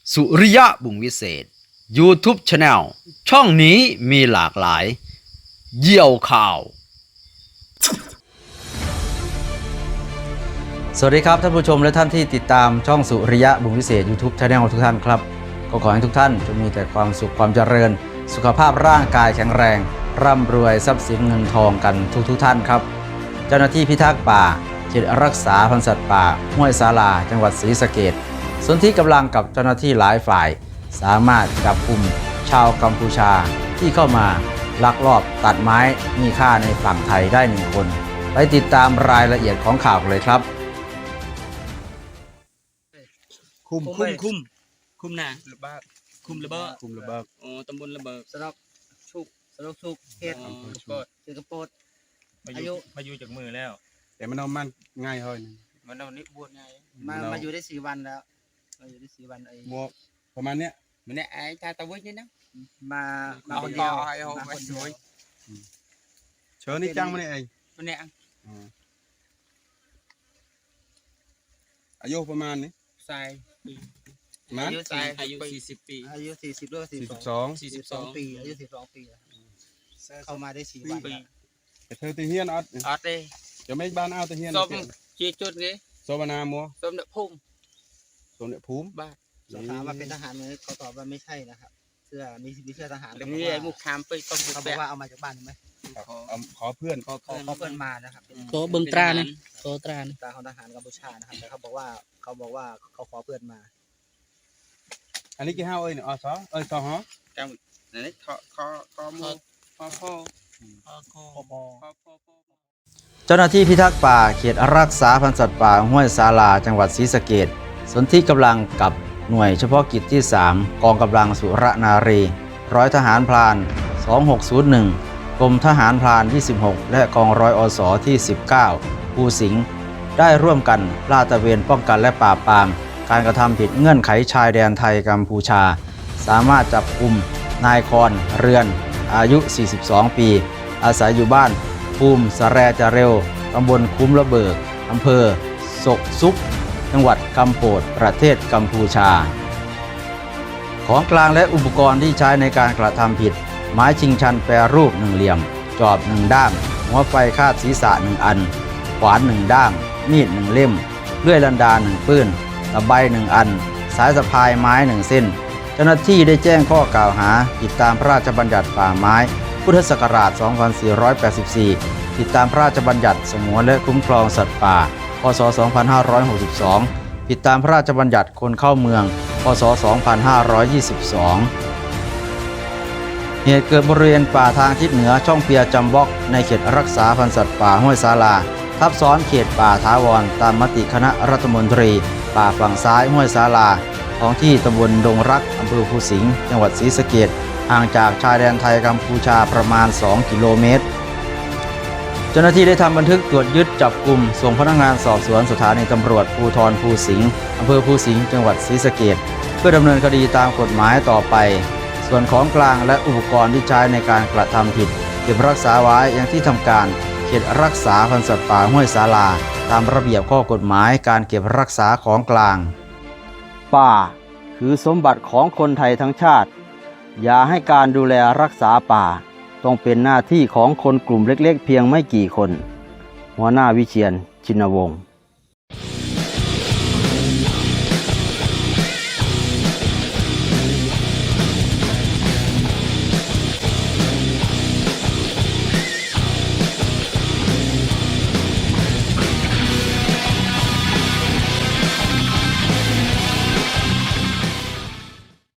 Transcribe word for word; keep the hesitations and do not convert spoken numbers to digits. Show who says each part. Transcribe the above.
Speaker 1: สุริยะบุญวิเศษ YouTube Channel ช่องนี้มีหลากหลายเยี่ยวข่าวสวัสดีครับท่านผู้ชมและท่านที่ติดตามช่องสุริยะบุญวิเศษ YouTube Channel ทุกท่านครับก็ขอให้ทุกท่านจงมีแต่ความสุขความเจริญสุขภาพร่างกายแข็งแรงร่ำรวยทรัพย์สินเงินทองกันทุกทุกท่านครับเจ้าหน้าที่พิทักษ์ป่าเขตรักษาพันธุ์สัตว์ป่าห้วยสาลาจังหวัดศรีสะเกษส่วนที่กำลังกับเจ้าหน้าที่หลายฝ่ายสามารถจับกลุ่มชาวกัมพูชาที่เข้ามาลักลอบตัดไม้มีค่าในฝั่งไทยได้หนึ่งคนไปติดตามรายละเอียดของข่าวเลยครับ
Speaker 2: คุมคุมคุมคุมนาระเบิดคุมระเบิด
Speaker 3: คุมระเบิด
Speaker 2: อ๋อตำบลระเบิด
Speaker 4: สนอกชุกสนอกชุกเฮ็ดกดคือกระโปด
Speaker 3: อายุมาอยู่จากมือแล้วแต่มันเอามันง่ายเฮ้ย
Speaker 2: มันเอานี่บวชไง
Speaker 4: มามาอยู่ได้สี่วันแล้วมาอยู่ได้สี่วันไอ้
Speaker 3: บวประมาณเนี้ย
Speaker 2: มันเนี่ยไอ้ตาตะวินี่นะ
Speaker 4: มามาคนเดียวมาคนเดียว
Speaker 3: เชิญนี่จังมาเนี่ยเอง
Speaker 2: มันเนี่ย
Speaker 3: อายุประมาณนี้
Speaker 2: ใส่
Speaker 3: อา
Speaker 2: ยุสี่อายุสี่สิบปี
Speaker 4: อายุสี่สิบด้วยสี่สิบสองสี่สิบสองปีอายุสี่สิบสองปีเข้ามาได้สี่วัน
Speaker 3: แต่เธอตีเฮียนอัด
Speaker 2: อัดเลย
Speaker 3: จะไม่บ้านเอาตีเฮียน
Speaker 2: ส้มชี้จุดไง
Speaker 3: โซบานามัว
Speaker 2: ส้มเดือดพุ่ม
Speaker 3: ส้มเดือดพุ่ม
Speaker 2: บ้า
Speaker 4: สอบถามว่าเป็นทหารไหมเขาตอบว่าไม่ใช่นะครับเสื้อมีมีเสื้อทหาร
Speaker 2: นี่ไอ้มุกคามไปต้อง
Speaker 4: เขาบอกว่าเอามาจากบ้านไหม
Speaker 3: ขอเพื่อน
Speaker 4: ขอขอเพื่อนมานะครับ
Speaker 2: โตเบิ้งตราเนี่ยโตตรา
Speaker 4: ตราของทหารกัมพูชานะครับแต่เขาบอกว่าเขาบอกว่าเขาขอเพื่อนมา
Speaker 3: อันนี้กี่ห้าเอ้ยเนี่ยอ๋อสองเอ้ยสองฮะ
Speaker 2: จังนี่ขอขอขอมือขอขอขอขอขอ
Speaker 1: เจ้าหน้าที่พิทักษ์ป่าเขตรักษาพันธุ์สัตว์ป่าห้วยสาลาจังหวัดศรีสะเกษสนธิกำลังกับหน่วยเฉพาะกิจที่สามกองกำลังสุรนารีร้อยทหารพรานสองหกศูนย์หนึ่งกรมทหารพรานที่สิบหกและกองร้อยอสที่สิบเก้าภูสิงห์ได้ร่วมกันลาดตระเวนป้องกันและปราบปรามการกระทำผิดเงื่อนไขชายแดนไทยกัมพูชาสามารถจับกุมนายคอนเรือนอายุสี่สิบสองปีอาศัยอยู่บ้านภูมิสะแรจะเร็วตำบลคุ้มระเบิกอำเภอศกซุกจังหวัดกัมโปดประเทศกัมพูชาของกลางและอุปกรณ์ที่ใช้ในการกระทำผิดไม้ชิงชันแปรรูปหนึ่งเหลี่ยมจอบหนึ่งด้ามหัวไฟคาดศีรษะหนึ่งอันขวานหนึ่งด้ามมีดหนึ่งเล่มเลื่อยลันดาหนึ่งปื้นตะไบหนึ่งอันสายสะพายไม้หนึ่งเส้นเจ้าหน้าที่ได้แจ้งข้อกล่าวหาผิดตามพระราชบัญญัติป่าไม้พุทธศักราชสองพันสี่ร้อยแปดสิบสี่ผิดตามพระราชบัญญัติสงวนและคุ้มครองสัตว์ป่าพ.ศ. สองพันห้าร้อยหกสิบสองผิดตามพระราชบัญญัติคนเข้าเมืองพ.ศ. สองพันห้าร้อยยี่สิบสองเหตุเกิดบริเวณป่าทางทิศเหนือช่องเปียจำบ็อกในเขตรักษาพันธุ์สัตว์ป่าห้วยสาลาทับซ้อนเขตป่าถาวรตามมติคณะรัฐมนตรีป่าฝั่งซ้ายห้วยสาลาท้องที่ตำบลดงรักอำเภอภูสิงห์จังหวัดศรีสะเกษห่างจากชายแดนไทยกัมพูชาประมาณสองกิโลเมตรเจ้าหน้าที่ได้ทำบันทึกตรวจยึดจับกลุ่มส่งพนักงานสอบสวนสถานีตำรวจภูธรภูสิงห์อำเภอภูสิงห์จังหวัดศรีสะเกษเพื่อดำเนินคดีตามกฎหมายต่อไปส่วนของกลางและอุปกรณ์ที่ใช้ในการกระทำผิดเก็บรักษาไว้ยังที่ทำการเขตรักษาพันธุ์สัตว์ป่าห้วยสาลาตามระเบียบข้อกฎหมายการเก็บรักษาของกลางป่าคือสมบัติของคนไทยทั้งชาติอย่าให้การดูแลรักษาป่าต้องเป็นหน้าที่ของคนกลุ่มเล็กๆเพียงไม่กี่คนหัวหน้าวิเชียร ชินวงศ์